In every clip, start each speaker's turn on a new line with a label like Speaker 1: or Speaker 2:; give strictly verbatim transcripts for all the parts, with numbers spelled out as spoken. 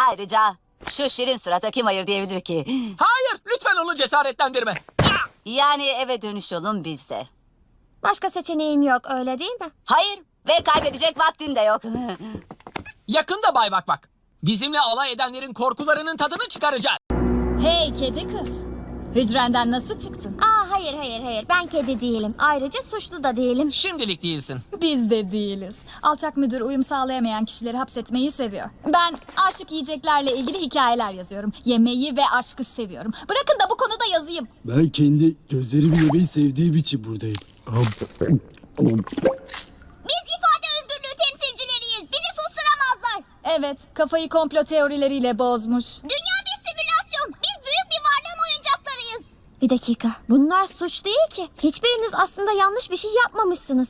Speaker 1: Ayrıca şu şirin surata kim hayır diyebilir ki?
Speaker 2: Hayır, lütfen onu cesaretlendirme. Ah!
Speaker 1: Yani eve dönüş yolun bizde.
Speaker 3: Başka seçeneğim yok, öyle değil mi?
Speaker 1: Hayır ve kaybedecek vaktin de yok.
Speaker 2: Yakında Bay Bak Bak. Bizimle alay edenlerin korkularının tadını çıkaracağız.
Speaker 4: Hey kedi kız. Hücrenden nasıl çıktın?
Speaker 3: Aa, hayır hayır hayır, ben kedi değilim. Ayrıca suçlu da değilim.
Speaker 2: Şimdilik değilsin.
Speaker 4: Biz de değiliz. Alçak müdür uyum sağlayamayan kişileri hapsetmeyi seviyor. Ben aşık yiyeceklerle ilgili hikayeler yazıyorum. Yemeği ve aşkı seviyorum. Bırakın da bu konuda yazayım.
Speaker 5: Ben kendi gözlerimi yemeyi sevdiğim için buradayım.
Speaker 3: Biz ifade özgürlüğü temsilcileriyiz. Bizi susturamazlar.
Speaker 4: Evet, kafayı komplo teorileriyle bozmuş.
Speaker 3: Dünya bir simülasyon. Biz büyük bir varlığın oyuncaklarıyız. Bir dakika. Bunlar suç değil ki. Hiçbiriniz aslında yanlış bir şey yapmamışsınız.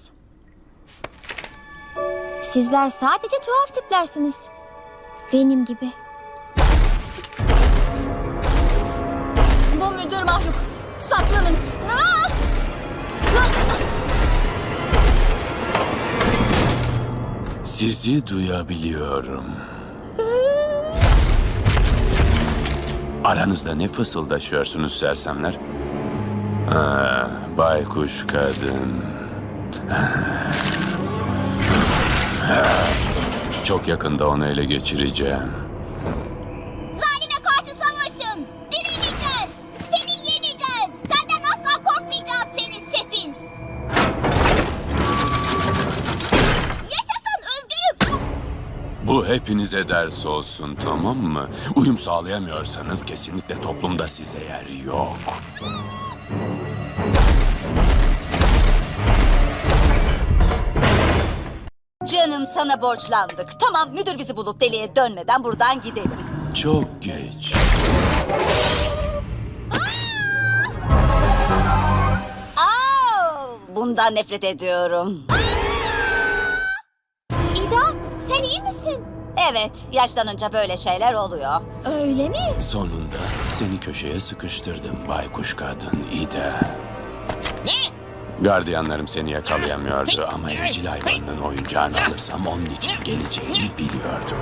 Speaker 3: Sizler sadece tuhaf tiplersiniz. Benim gibi.
Speaker 4: Bu müdür mahluk. Saklanın.
Speaker 3: Aa!
Speaker 6: Sizi duyabiliyorum. Aranızda ne fısıldaşıyorsunuz sersemler? Ha, baykuş kadın. Çok yakında onu ele geçireceğim.
Speaker 3: Zalime karşı savaşın. Direneceğiz. Seni yeneceğiz. Senden asla korkmayacağız seni sefil. Yaşasın özgürüm.
Speaker 6: Bu hepinize ders olsun, tamam mı? Uyum sağlayamıyorsanız kesinlikle toplumda size yer yok.
Speaker 1: Canım sana borçlandık. Tamam müdür bizi bulup deliye dönmeden buradan gidelim.
Speaker 6: Çok geç.
Speaker 1: Aa, bundan nefret ediyorum.
Speaker 3: İda, sen iyi misin?
Speaker 1: Evet, yaşlanınca böyle şeyler oluyor.
Speaker 3: Öyle mi?
Speaker 6: Sonunda seni köşeye sıkıştırdım baykuş kadın İda.
Speaker 2: Ne?
Speaker 6: Gardiyanlarım seni yakalayamıyordu ama evcil hayvanının oyuncağını alırsam onun için geleceğini biliyordum.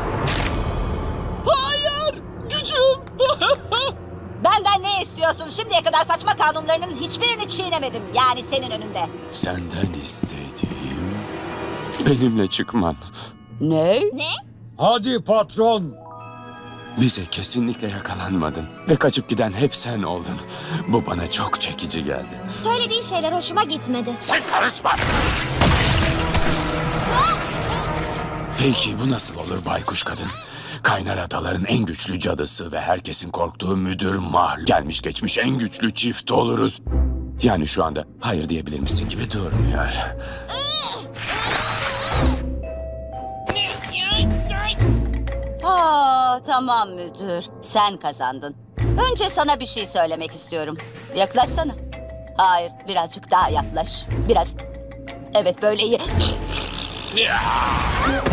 Speaker 2: Hayır! Gücüm!
Speaker 1: Benden ne istiyorsun? Şimdiye kadar saçma kanunlarının hiçbirini çiğnemedim. Yani senin önünde.
Speaker 6: Senden istediğim benimle çıkman.
Speaker 1: Ne?
Speaker 3: Ne?
Speaker 5: Hadi patron.
Speaker 6: Bize kesinlikle yakalanmadın ve kaçıp giden hep sen oldun. Bu bana çok çekici geldi.
Speaker 3: Söylediğin şeyler hoşuma gitmedi.
Speaker 6: Sen karışma! Peki bu nasıl olur baykuş kadın? Kaynar adaların en güçlü cadısı ve herkesin korktuğu müdür mahluk. Gelmiş geçmiş en güçlü çift oluruz. Yani şu anda hayır diyebilir misin gibi durmuyor.
Speaker 1: Aa, tamam müdür. Sen kazandın. Önce sana bir şey söylemek istiyorum. Yaklaşsana. Hayır, birazcık daha yaklaş. Biraz. Evet, böyle iyi.